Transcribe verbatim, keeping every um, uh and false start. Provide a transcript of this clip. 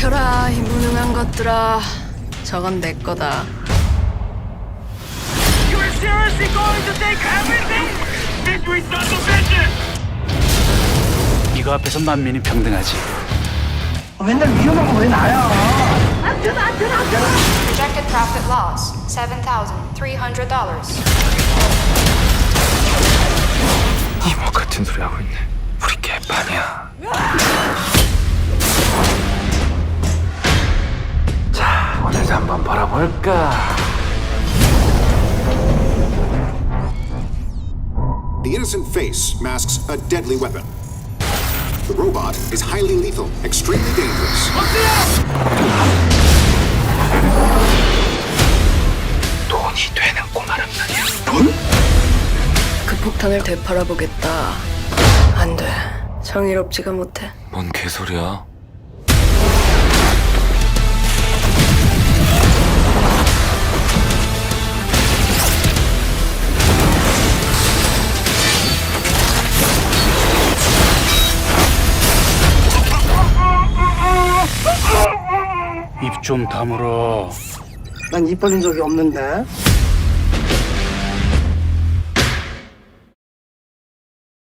비켜라, 이 무능한 것들아. 저건 내 거다. You are seriously going to take everything? Victory son of a bitch! 이거 앞에서 만민이 평등하지. 맨날 위험한 거 왜 나야? Projected profit loss, seven thousand three hundred dollars. 이모 같은 소리 하고 있네. 우리 개판이야. 자, 오늘도 한번 벌어볼까? The innocent face masks a deadly weapon. The robot is highly lethal, extremely dangerous. 돈이 되는 꼬마란 말이야. 그 폭탄을 되팔아 보겠다. 안 돼. 정의롭지가 못해. 뭔 개소리야? 입 좀 다물어. 난 입 벌린 적이 없는데.